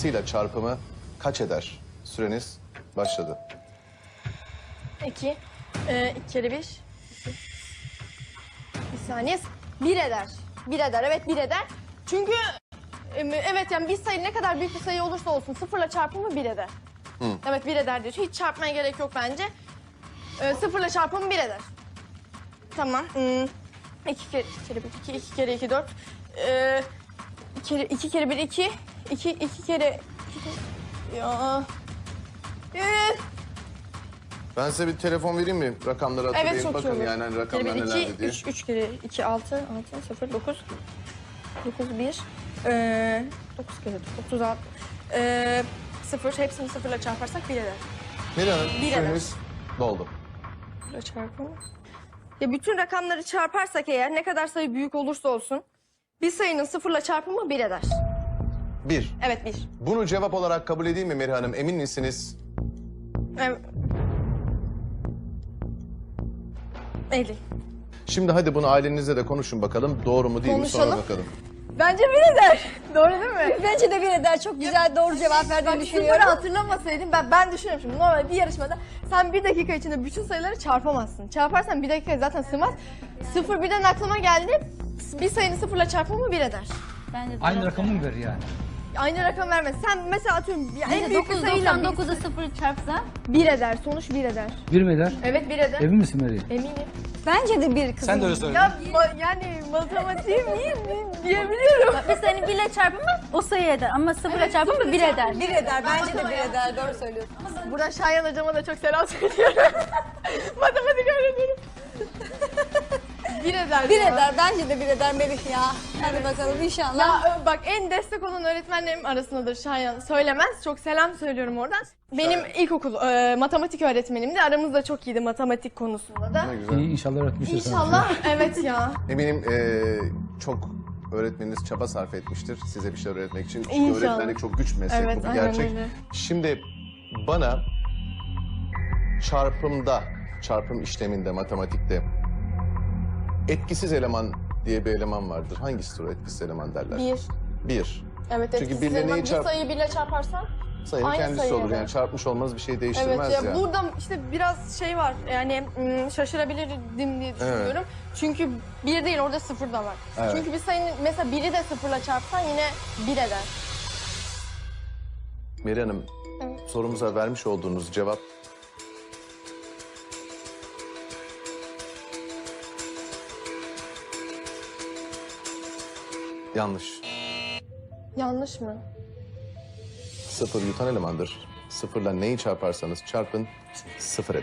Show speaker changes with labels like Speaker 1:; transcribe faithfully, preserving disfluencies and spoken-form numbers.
Speaker 1: sayısıyla çarpımı kaç eder? Süreniz başladı.
Speaker 2: İki. Ee, iki kere bir. İki. Bir saniye. Bir eder. Bir eder. Evet bir eder. Çünkü em, evet yani bir sayı ne kadar büyük bir sayı olursa olsun sıfırla çarpımı bir eder.
Speaker 1: Hı.
Speaker 2: Evet bir eder diyor. Hiç çarpmaya gerek yok bence. Ee, sıfırla çarpımı bir eder. Tamam. Hmm. İki kere, iki kere bir, iki, iki kere iki, dört. Ee, iki kere, iki kere bir, iki. İki, iki kere... Iki kere... Ya... Ee,
Speaker 1: Ben size bir telefon vereyim mi? Rakamları hatırlayın.
Speaker 2: Evet çok
Speaker 1: Bakın
Speaker 2: iyi olur.
Speaker 1: yani hani rakamlar
Speaker 2: Bir kere
Speaker 1: nelerdi
Speaker 2: iki,
Speaker 1: diye.
Speaker 2: üç, üç kere iki, altı, altı, sıfır, dokuz. Dokuz, bir. Ee, dokuz kere otuz altı. Ee, sıfır, hepsini sıfırla çarparsak bir eder.
Speaker 1: Meri Hanım
Speaker 2: Bir
Speaker 1: süreniz doldu.
Speaker 2: Sıfırla çarpımı. Ya bütün rakamları çarparsak eğer ne kadar sayı büyük olursa olsun bir sayının sıfırla çarpımı bir eder.
Speaker 1: Bir.
Speaker 2: Evet bir.
Speaker 1: Bunu cevap olarak kabul edeyim mi Meri Hanım? Emin misiniz?
Speaker 2: Evet. Elli.
Speaker 1: Şimdi hadi bunu ailenizle de konuşun bakalım. Doğru mu değil mi sonra
Speaker 2: Konuşalım.
Speaker 1: bakalım.
Speaker 2: Bence bir eder. Doğru değil mi?
Speaker 3: Bence de bir eder. Çok güzel doğru cevap verdiğini
Speaker 2: Bak
Speaker 3: düşünüyorum.
Speaker 2: sıfırı hatırlamasaydım ben ben düşünüyorum şimdi normal bir yarışmada sen bir dakika içinde bütün sayıları çarpamazsın. Çarparsan bir dakika zaten sığmaz. Sıfır birden aklıma geldi. Bir sayının sıfırla çarpımı bir eder.
Speaker 3: Bence de
Speaker 4: Aynı
Speaker 3: doğru.
Speaker 4: rakamı mı ver yani?
Speaker 2: Aynı rakam vermez. Sen mesela atıyorum ya en
Speaker 3: Bence
Speaker 2: büyük bir
Speaker 3: dokuz
Speaker 2: sayıyla
Speaker 3: doksan dokuzu sıfır çarpsa.
Speaker 2: bir eder. Sonuç bir eder.
Speaker 4: Bir mi eder?
Speaker 2: Evet bir eder.
Speaker 4: Emin misin Meri?
Speaker 2: Eminim.
Speaker 3: Bence de bir kızım.
Speaker 4: Sen de öyle söyle.
Speaker 2: Ya ma- yani matematiğim iyi mi diyebiliyorum.
Speaker 3: Bir sayının birle çarpımı o sayı eder ama sıfırla çarpımı
Speaker 2: sıfırla
Speaker 3: bir
Speaker 2: çarpımı
Speaker 3: eder. Bir eder. Bence de bir eder. Doğru söylüyorsun.
Speaker 2: Buradan Şayan hocama da çok selam söylüyorum. Matematik öğretmenim. bir eder.
Speaker 3: Bir
Speaker 2: ya.
Speaker 3: eder. Bence de bir eder Melih ya. Hadi bakalım inşallah.
Speaker 2: Ya ö, bak en destek olan öğretmenlerim arasındadır Şayan. Söylemez. Çok selam söylüyorum oradan. Benim ilkokul e, matematik öğretmenimdi. Aramızda çok iyiydi matematik konusunda da.
Speaker 1: Ne güzel.
Speaker 4: İyi inşallah öğretmiştir sana.
Speaker 2: İnşallah evet ya.
Speaker 1: Eminim eee, çok öğretmeniniz çaba sarf etmiştir size bir şeyler öğretmek için. Çünkü
Speaker 2: İnşallah.
Speaker 1: öğretmenlik çok güç bir meslek,
Speaker 2: Evet,
Speaker 1: bu bir
Speaker 2: aynen
Speaker 1: gerçek.
Speaker 2: öyle.
Speaker 1: Şimdi bana çarpımda, çarpım işleminde, matematikte etkisiz eleman diye bir eleman vardır. Hangisidir o etkisiz eleman derler?
Speaker 2: Bir.
Speaker 1: Bir.
Speaker 2: Evet
Speaker 1: Çünkü
Speaker 2: etkisiz
Speaker 1: birle
Speaker 2: eleman.
Speaker 1: neyi
Speaker 2: Bir
Speaker 1: çarp-
Speaker 2: sayıyı birle çarparsan.
Speaker 1: Sayının
Speaker 2: Aynı
Speaker 1: kendisi
Speaker 2: sayı
Speaker 1: olur.
Speaker 2: eder.
Speaker 1: Yani çarpmış olmaz bir şey
Speaker 2: Evet
Speaker 1: değiştirmez
Speaker 2: ya
Speaker 1: ya.
Speaker 2: burada işte biraz şey var yani mm, şaşırabilirdim diye düşünüyorum. Çünkü bir değil orada sıfır da var.
Speaker 1: Evet.
Speaker 2: Çünkü bir sayının mesela biri de sıfırla çarpsan yine bir eder.
Speaker 1: Meri Hanım,
Speaker 2: Evet.
Speaker 1: sorumuza vermiş olduğunuz cevap yanlış.
Speaker 2: Yanlış mı?
Speaker 1: Sıfır yutan elemandır. Sıfırla neyi çarparsanız çarpın sıfır eder.